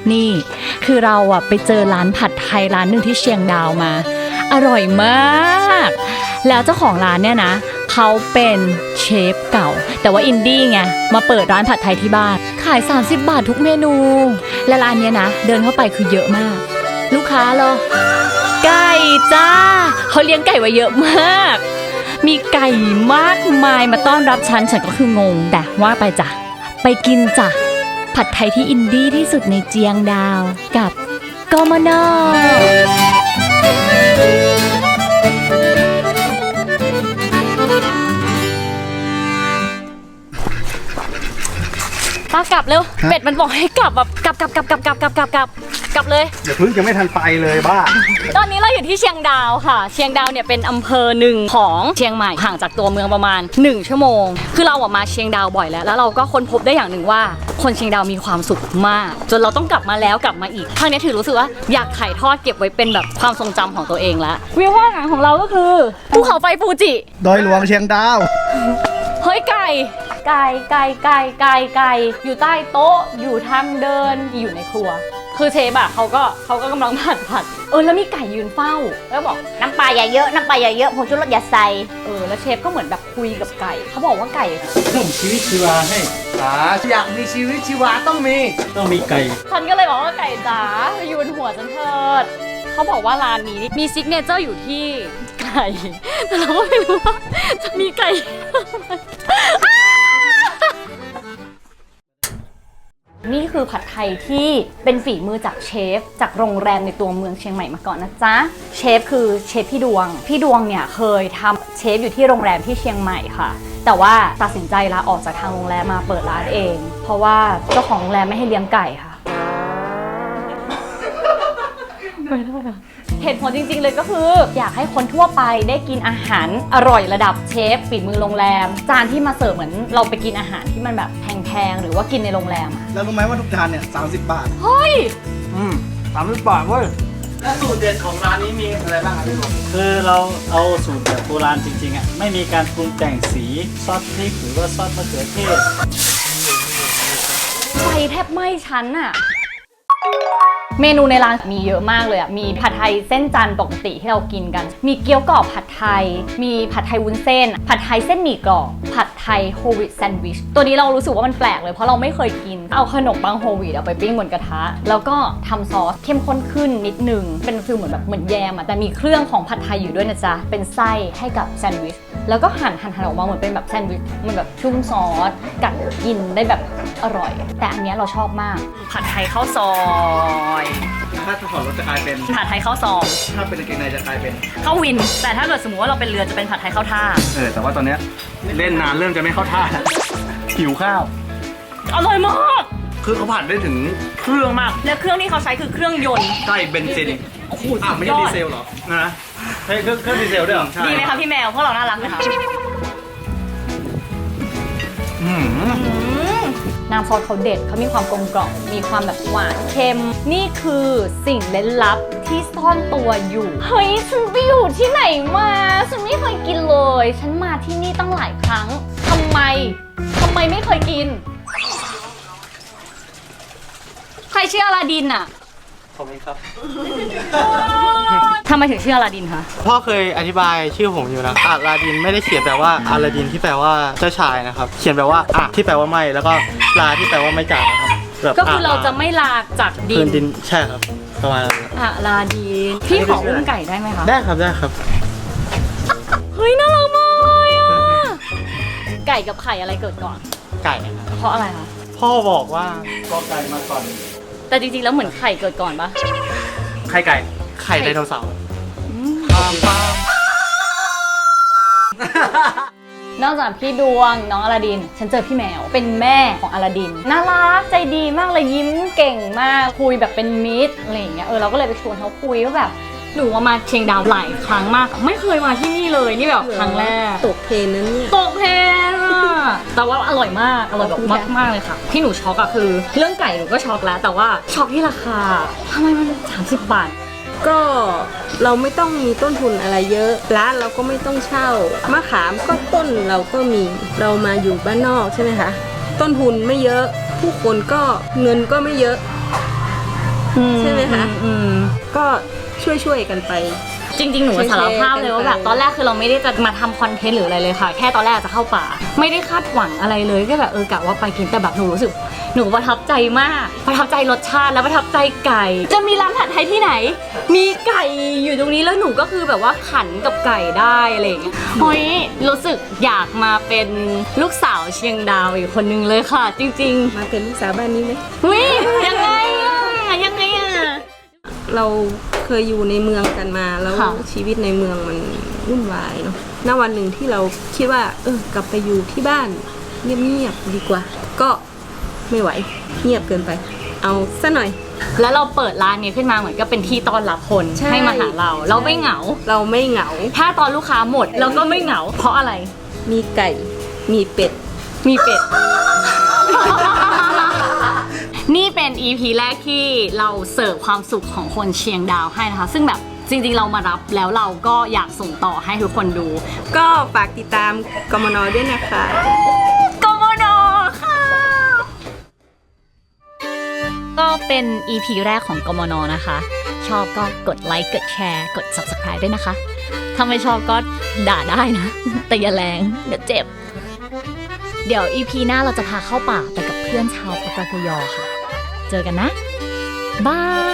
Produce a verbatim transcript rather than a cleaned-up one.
นี่คือเราอะไปเจอร้านผัดไทยร้านหนึ่งที่เชียงดาวมาอร่อยมากแล้วเจ้าของร้านเนี่ยนะเขาเป็นเชฟเก่าแต่ว่าอินดี้ไงมาเปิดร้านผัดไทยที่บ้านขายสามสิบบาททุกเมนูและร้านเนี้ยนะเดินเข้าไปคือเยอะมากลูกค้าเหรอไก่จ้าเขาเลี้ยงไก่ไว้เยอะมากมีไก่มากมายมาต้อนรับฉันฉันก็คืองงแต่ว่าไปจ้ะไปกินจ้ะผัดไทยที่อินดี้ที่สุดในเจียงดาวกับกมน.ป้ากลับเร็วเป็ดมันบอกให้กลับแบบกลับกลับกลับกลับกลับกลับกลับกลับกลับเลยเดี๋ยวพึ่งจะไม่ทันไปเลยบ้าตอนนี้เราอยู่ที่เชียงดาวค่ะเชียงดาวเนี่ยเป็นอำเภอหนึ่งของเชียงใหม่ห่างจากตัวเมืองประมาณหนึ่งชั่วโมงคือเราออกมาเชียงดาวบ่อยแล้วแล้วเราก็ค้นพบได้อย่างหนึ่งว่าคนเชียงดาวมีความสุขมากจนเราต้องกลับมาแล้วกลับมาอีกครั้งนี้ถือรู้สึกว่าอยากถ่ายทอดเก็บไว้เป็นแบบความทรงจำของตัวเองแล้ววิวว่างของเราก็คือภูเขาไฟฟูจิดอยหลวงเชียงดาวเฮ้ยไก่ไก่ไก่ไก่ไก่ไก่อยู่ใต้โต๊ะอยู่ทางเดินอยู่ในครัวคือเชฟอะเขาก็เขาก็กำลังผัดผัดเออแล้วมีไก่ยืนเฝ้าแล้วบอกน้ำปลาอย่าเยอะน้ำปลาอย่าเยอะผงชูรสอย่าใส่เออแล้วเชฟก็เหมือนแบบคุยกับไก่เขาบอกว่าไก่เพิ่มชีวิตชีวาให้อ่าอยากมีชีวิตชีวาต้องมีต้องมีไก่ฉันก็เลยบอกว่าไก่จ๋าอยู่บนหัวฉันเถิดเขาบอกว่าร้านนี้มีซิกเนเจอร์อยู่ที่ไก่แต่เราก็ไม่รู้ว่าจะมีไก่นี่คือผัดไทยที่เป็นฝีมือจากเชฟจากโรงแรมในตัวเมืองเชียงใหม่มาก่อนนะจ๊ะเชฟคือเชฟพี่ดวงพี่ดวงเนี่ยเคยทำเชฟอยู่ที่โรงแรมที่เชียงใหม่ค่ะแต่ว่าตัดสินใจลาออกจากทางโรงแรมมาเปิดร้านเองเพราะว่าเจ้าของโรงแรมไม่ให้เลี้ยงไก่ค่ะเหตุผลจริงๆเลยก็คืออยากให้คนทั่วไปได้กินอาหารอร่อยระดับเชฟฝีมือโรงแรมจานที่มาเสิร์ฟเหมือนเราไปกินอาหารที่มันแบบแพงๆหรือว่ากินในโรงแรมอะแล้วรู้ไหมว่าทุกจานเนี่ยสามสิบบาทเฮ้ยอืมสามสิบบาทเว้ยแล้วสูตรเด็ดของร้านนี้มีอะไรบ้างครับพี่ผมคือเราเอาสูตรแบบโบราณจริงๆอ่ะไม่มีการปรุงแต่งสีซอสพริกหรือว่าซอสมะเขือเทศไฟแทบไหม้ชั้นอะเมนูในร้านมีเยอะมากเลยอ่ะมีผัดไทยเส้นจันทร์ปกติที่เรากินกันมีเกี๊ยวกรอบผัดไทยมีผัดไทยวุ้นเส้นผัดไทยเส้นหมี่กรอบผัดไทยโฮลวีตแซนด์วิชตัวนี้เรารู้สึกว่ามันแปลกเลยเพราะเราไม่เคยกินเอาขนมปังโฮลวีตเอาไปปิ้งบนกระทะแล้วก็ทำซอสเข้มข้นขึ้นนิดนึงเป็นฟิลเหมือนแบบเหมือนแยมอ่ะแต่มีเครื่องของผัดไทยอยู่ด้วยนะจ๊ะเป็นไส้ให้กับแซนด์วิชแล้วก็หั่นหั่นหั่นออกมาเหมือนเป็นแบบแซนด์วิชมันแบบชุ่มซอสกัดกินได้แบบอร่อยแต่อันนี้เราชอบมากผัดไทยข้าวซอยถ้าถอดรถจะกลายเป็นผัดไทยข้าวซองถ้าเป็นกางเกงในจะกลายเป็นข้าววินแต่ถ้าเกิดสมมติว่าเราเป็นเรือจะเป็นผัดไทยข้าวท่าเออแต่ว่าตอนเนี้ยเล่นนานเริ่มจะไม่เข้าท่าหิวข้าวอร่อยมากคือเขาผัดได้ถึงเครื่องมากแล้วเครื่องที่เขาใช้คือเครื่องยนต์ใช่เบนซินโอ้โหอ่ะไม่ใช่ดีเซลหรอนะใช่เครื่องเครื่องดีเซลด้วยหรอดีไหมคะพี่แมวพวกเราน่ารักไหมคะน้ำซอสเขาเด็ดเขามีความกลมกล่อมมีความแบบหวานเค็มนี่คือสิ่งเล้นลับที่ซ่อนตัวอยู่เฮ้ยฉันไปอยู่ที่ไหนมาฉันไม่เคยกินเลยฉันมาที่นี่ตั้งหลายครั้งทำไมทำไมไม่เคยกินใครชื่ออลาดินอะผมเองครับทำไมถึงชื่ออลาดินคะพ่อเคยอธิบายชื่อผมอยู่นะอลาดินไม่ได้เขียนแปลว่าอลาดินที่แปลว่าเจ้าชายนะครับเขียนแปลว่าอะที่แปลว่าไม่แล้วก็ลาที่แปลว่าไม่จากนะครับก็คือเราจะไม่ลาจากดินดินใช่ครับประมาณนั้นอะลาดินพี่ขออุ้มไก่ได้ไหมคะได้ครับได้ครับเฮ้ยน่ารักมากเลยอะไก่กับไข่อะไรเกิดก่อนไก่เพราะอะไรคะพ่อบอกว่าก็ไก่มาก่อนแต่จริงๆแล้วเหมือนไข่เกิดก่อนปะไข่ไก่ไข่ไดโนเสาร์นอกจากพี่ดวงน้องอลาดินฉันเจอพี่แมวเป็นแม่ของอลาดินน่ารักใจดีมากเลยยิ้มเก่งมากคุยแบบเป็นมิตรอะไรอย่างเงี้ยเออเราก็เลยไปชวนเขาคุยว่าแบบหนูมาเชียงดาวหลายครั้งมากไม่เคยมาที่นี่เลยนี่แบบครั้งแรกตกเพลนนั้นเนี่ยตกเพลนอะแต่ว่าอร่อยมากอร่อยแบบมากมากเลยค่ะที่หนูช็อกอะคือเรื่องไก่หนูก็ช็อกแล้วแต่ว่าช็อกที่ราคาทำไมมันสามสิบบาทก็เราไม่ต้องมีต้นทุนอะไรเยอะร้านเราก็ไม่ต้องเช่ามะขามก็ต้นเราก็มีเรามาอยู่บ้านนอกใช่ไหมคะต้นทุนไม่เยอะผู้คนก็เงินก็ไม่เยอะใช่ไหมคะอืมก็ช่วยๆกันไปจริงๆ หนูสารภาพเลยว่าแบบตอนแรกคือเราไม่ได้จะมาทำคอนเทนต์หรืออะไรเลยค่ะ แค่ตอนแรกจะเข้าป่า ไม่ได้คาดหวังอะไรเลยก็แบบเออกะว่าไปกินแต่แบบหนูรู้สึกหนูประทับใจมาก ประทับใจรสชาติแล้วประทับใจไก่ จะมีร้านผัดไทยที่ไหน มีไก่อยู่ตรงนี้แล้วหนูก็คือแบบว่าขันกับไก่ได้อะไรอย่างเงี้ยเฮ้ยรู้สึกอยากมาเป็นลูกสาวเชียงดาวอีกคนนึงเลยค่ะ จริงมาเป็นลูกสาวบ้านนี้ไหมๆเฮ้ยยังไงอะยังไงอะเราเคยอยู่ในเมืองกันมาแล้วค่ะชีวิตในเมืองมันวุ่นวายเนาะณวันหนึ่งที่เราคิดว่า เออกลับไปอยู่ที่บ้านเงียบๆดีกว่า ก็ไม่ไหวเงียบเกินไป เอาซะหน่อยแล้วเราเปิดร้านนี้ขึ้นมาเหมือนก็เป็นที่ต้อนรับคนใช่ให้มาหาเรา เราไม่เหงาเราไม่เหงาถ้าตอนลูกค้าหมดเราก็ไม่เหงา เพราะอะไรมีไก่มีเป็ดมีเป็ด นี่เป็น อี พี แรกที่เราเสิร์ฟความสุขของคนเชียงดาวให้นะคะ ซึ่งแบบจริงๆเรามารับแล้วเราก็อยากส่งต่อให้ทุกคนดูก็ฝากติดตามกมนด้วยนะคะกมนค่ะ ก็เป็น อี พี แรกของกมนนะคะ ชอบก็กดไลค์กดแชร์กด ซับสไครบ์ ด้วยนะคะ ถ้าไม่ชอบก็ด่าได้นะ แต่อย่าแรงเดี๋ยวเจ็บ เดี๋ยว อี พี หน้าเราจะพาเข้าป่าไปกับเพื่อนชาวปากากยอค่ะ เจอกันนะ บาย